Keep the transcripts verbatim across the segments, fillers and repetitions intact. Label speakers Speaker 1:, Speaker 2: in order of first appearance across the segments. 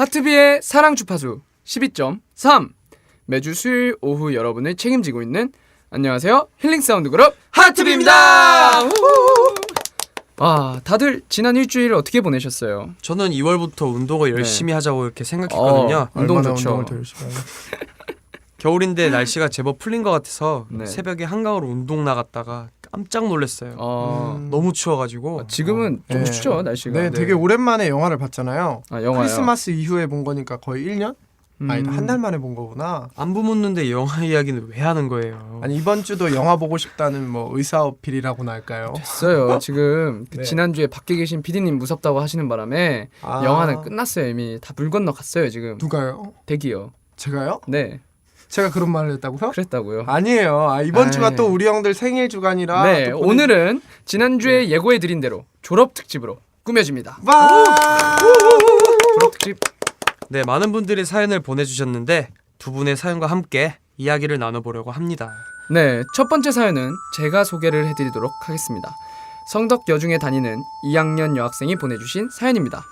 Speaker 1: 하트비의 사랑 주파수 십이 점 삼 매주 수요일 오후 여러분을 책임지고 있는 안녕하세요 힐링 사운드 그룹 하트비입니다. 아, 다들 지난 일주일 어떻게 보내셨어요?
Speaker 2: 저는 이월부터 운동을 열심히 네. 하자고 이렇게 생각했거든요.
Speaker 1: 어, 운동 좋죠.
Speaker 3: 운동을 더 열심히 하요
Speaker 2: 겨울인데 날씨가 제법 풀린 것 같아서
Speaker 1: 네.
Speaker 2: 새벽에 한강으로 운동 나갔다가 깜짝 놀랐어요.
Speaker 1: 어...
Speaker 2: 음... 너무 추워가지고.
Speaker 1: 아, 지금은 어... 좀
Speaker 3: 네.
Speaker 1: 춥죠 날씨가.
Speaker 3: 네, 되게 오랜만에 영화를 봤잖아요.
Speaker 1: 아, 영화요?
Speaker 3: 크리스마스 이후에 본 거니까 거의 일 년? 음... 아니 한 달 만에 본 거구나.
Speaker 2: 안부 묻는데 영화 이야기는 왜 하는 거예요?
Speaker 3: 아니 이번 주도 영화 보고 싶다는 뭐 의사 어필이라고나 할까요?
Speaker 1: 됐어요. 지금 그
Speaker 3: 네.
Speaker 1: 지난주에 밖에 계신 피디님 무섭다고 하시는 바람에
Speaker 3: 아...
Speaker 1: 영화는 끝났어요. 이미 다 물 건너 갔어요 지금.
Speaker 3: 누가요?
Speaker 1: 대기요.
Speaker 3: 제가요?
Speaker 1: 네.
Speaker 3: 제가 그런 말을 했다고요?
Speaker 1: 그랬다고요.
Speaker 3: 아니에요. 아, 이번
Speaker 1: 아이...
Speaker 3: 주가 또 우리 형들 생일 주간이라.
Speaker 1: 네,
Speaker 3: 보내...
Speaker 1: 오늘은 지난주에 네. 예고해드린 대로 졸업 특집으로 꾸며집니다.
Speaker 3: 와!
Speaker 1: 졸업 특집.
Speaker 2: 네, 많은 분들이 사연을 보내주셨는데 두 분의 사연과 함께 이야기를 나눠보려고 합니다.
Speaker 1: 네, 첫 번째 사연은 제가 소개를 해드리도록 하겠습니다. 성덕여중에 다니는 이 학년 여학생이 보내주신 사연입니다.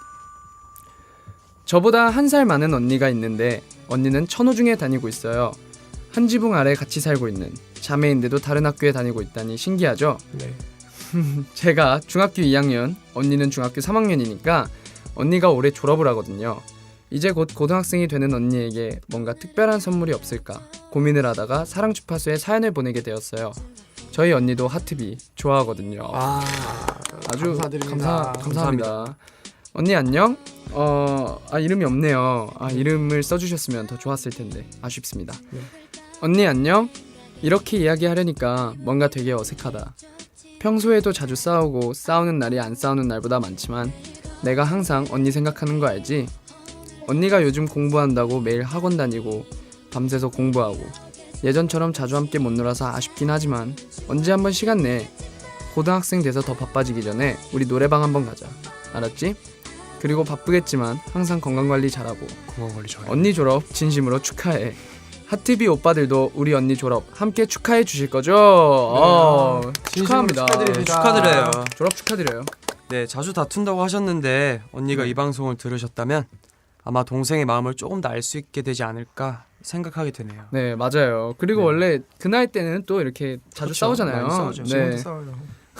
Speaker 1: 저보다 한 살 많은 언니가 있는데 언니는 천호중에 다니고 있어요. 한 지붕 아래 같이 살고 있는 자매인데도 다른 학교에 다니고 있다니 신기하죠?
Speaker 3: 네.
Speaker 1: 제가 중학교 이 학년, 언니는 중학교 삼 학년이니까 언니가 올해 졸업을 하거든요. 이제 곧 고등학생이 되는 언니에게 뭔가 특별한 선물이 없을까 고민을 하다가 사랑 주파수에 사연을 보내게 되었어요. 저희 언니도 하트비 좋아하거든요.
Speaker 3: 아,
Speaker 1: 아주
Speaker 3: 감사드립니다.
Speaker 1: 감사, 감사합니다. 감사합니다. 언니 안녕? 어, 아 이름이 없네요. 아 이름을 써주셨으면 더 좋았을 텐데 아쉽습니다.
Speaker 3: 네.
Speaker 1: 언니 안녕? 이렇게 이야기하려니까 뭔가 되게 어색하다. 평소에도 자주 싸우고 싸우는 날이 안 싸우는 날보다 많지만 내가 항상 언니 생각하는 거 알지? 언니가 요즘 공부한다고 매일 학원 다니고 밤새서 공부하고 예전처럼 자주 함께 못 놀아서 아쉽긴 하지만 언제 한번 시간 내. 고등학생 돼서 더 바빠지기 전에 우리 노래방 한번 가자. 알았지? 그리고 바쁘겠지만 항상 건강관리 잘하고
Speaker 2: 건강관리 잘해.
Speaker 1: 언니 졸업 진심으로 축하해. 하트비 오빠들도 우리 언니 졸업 함께 축하해 주실 거죠? 네. 어, 축하합니다.
Speaker 3: 축하드립니다.
Speaker 2: 네, 축하드려요.
Speaker 1: 졸업 축하드려요.
Speaker 2: 네, 자주 다툰다고 하셨는데 언니가
Speaker 1: 네.
Speaker 2: 이 방송을 들으셨다면 아마 동생의 마음을 조금 더 알 수 있게 되지 않을까 생각하게 되네요.
Speaker 1: 네, 맞아요. 그리고
Speaker 2: 네.
Speaker 1: 원래 그 나이 때는 또 이렇게 자주
Speaker 2: 그렇죠.
Speaker 1: 싸우잖아요.
Speaker 2: 많이 싸우죠.
Speaker 1: 네.
Speaker 3: 지금도 싸워요.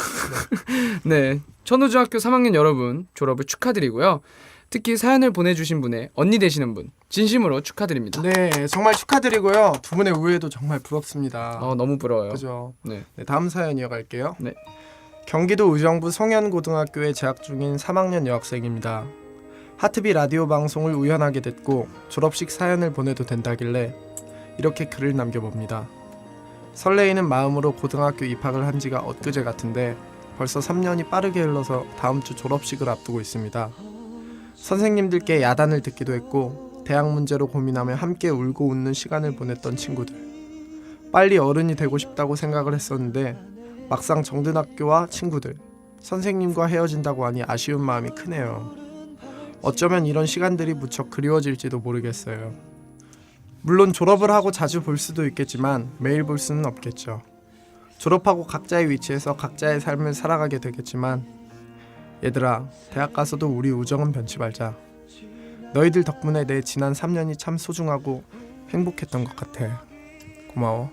Speaker 1: 네, 천호중학교 삼 학년 여러분 졸업을 축하드리고요. 특히 사연을 보내주신 분의 언니 되시는 분 진심으로 축하드립니다.
Speaker 3: 네, 정말 축하드리고요. 두 분의 우애도 정말 부럽습니다.
Speaker 1: 어, 너무 부러워요.
Speaker 3: 그죠?
Speaker 1: 네.
Speaker 3: 네, 다음 사연 이어갈게요.
Speaker 1: 네.
Speaker 3: 경기도 의정부 송현고등학교에 재학 중인 삼 학년 여학생입니다. 하트비 라디오 방송을 우연하게 듣고 졸업식 사연을 보내도 된다길래 이렇게 글을 남겨봅니다. 설레이는 마음으로 고등학교 입학을 한 지가 엊그제 같은데 벌써 삼 년이 빠르게 흘러서 다음 주 졸업식을 앞두고 있습니다. 선생님들께 야단을 듣기도 했고 대학 문제로 고민하며 함께 울고 웃는 시간을 보냈던 친구들. 빨리 어른이 되고 싶다고 생각을 했었는데 막상 정든 학교와 친구들, 선생님과 헤어진다고 하니 아쉬운 마음이 크네요. 어쩌면 이런 시간들이 무척 그리워질지도 모르겠어요. 물론 졸업을 하고 자주 볼 수도 있겠지만 매일 볼 수는 없겠죠. 졸업하고 각자의 위치에서 각자의 삶을 살아가게 되겠지만 얘들아, 대학 가서도 우리 우정은 변치 말자. 너희들 덕분에 내 지난 삼 년이 참 소중하고 행복했던 것 같아. 고마워.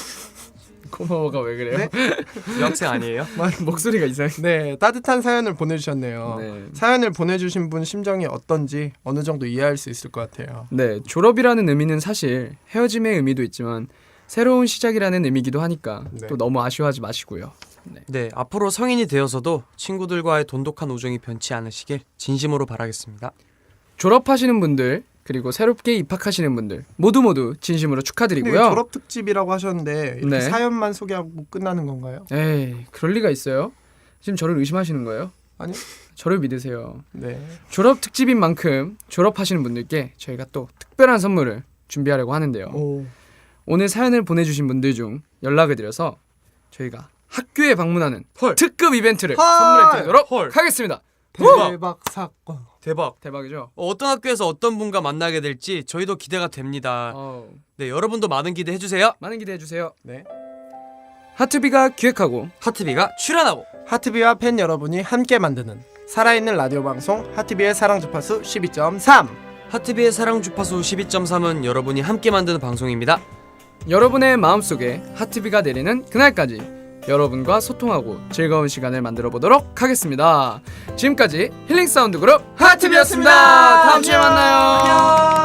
Speaker 1: 고마워가 왜 그래요?
Speaker 3: 네?
Speaker 2: 여학생 아니에요?
Speaker 1: 목소리가 이상해.
Speaker 3: 네, 따뜻한 사연을 보내주셨네요.
Speaker 1: 네.
Speaker 3: 사연을 보내주신 분 심정이 어떤지 어느 정도 이해할 수 있을 것 같아요.
Speaker 1: 네, 졸업이라는 의미는 사실 헤어짐의 의미도 있지만 새로운 시작이라는 의미기도 하니까
Speaker 3: 네.
Speaker 1: 또 너무 아쉬워하지 마시고요. 네.
Speaker 2: 네, 앞으로 성인이 되어서도 친구들과의 돈독한 우정이 변치 않으시길 진심으로 바라겠습니다.
Speaker 1: 졸업하시는 분들 그리고 새롭게 입학하시는 분들 모두 모두 진심으로 축하드리고요.
Speaker 3: 근데 졸업 특집이라고 하셨는데 이렇게
Speaker 1: 네.
Speaker 3: 사연만 소개하고 끝나는 건가요?
Speaker 1: 에이, 그럴 리가 있어요? 지금 저를 의심하시는 거예요?
Speaker 3: 아니요.
Speaker 1: 저를 믿으세요.
Speaker 3: 네.
Speaker 1: 졸업 특집인 만큼 졸업하시는 분들께 저희가 또 특별한 선물을 준비하려고 하는데요.
Speaker 3: 오.
Speaker 1: 오늘 사연을 보내주신 분들 중 연락을 드려서 저희가 학교에 방문하는
Speaker 2: 헐.
Speaker 1: 특급 이벤트를
Speaker 3: 헐.
Speaker 1: 선물해 드리도록
Speaker 2: 헐.
Speaker 1: 하겠습니다.
Speaker 3: 대박 사건.
Speaker 2: 대박.
Speaker 1: 대박이죠?
Speaker 2: 어, 어떤 학교에서 어떤 분과 만나게 될지 저희도 기대가 됩니다.
Speaker 1: 어,
Speaker 2: 네, 여러분도 많은 기대해 주세요.
Speaker 1: 많은 기대해 주세요.
Speaker 3: 네.
Speaker 1: 하트비가 기획하고
Speaker 2: 하트비가 출연하고
Speaker 3: 하트비와 팬 여러분이 함께 만드는 살아있는 라디오 방송 하트비의 사랑 주파수 십이 점 삼.
Speaker 2: 하트비의 사랑 주파수 십이 점 삼은 여러분이 함께 만드는 방송입니다.
Speaker 1: 여러분의 마음속에 하트비가 내리는 그날까지 여러분과 소통하고 즐거운 시간을 만들어 보도록 하겠습니다. 지금까지 힐링 사운드 그룹 하트비였습니다. 다음 주에 만나요.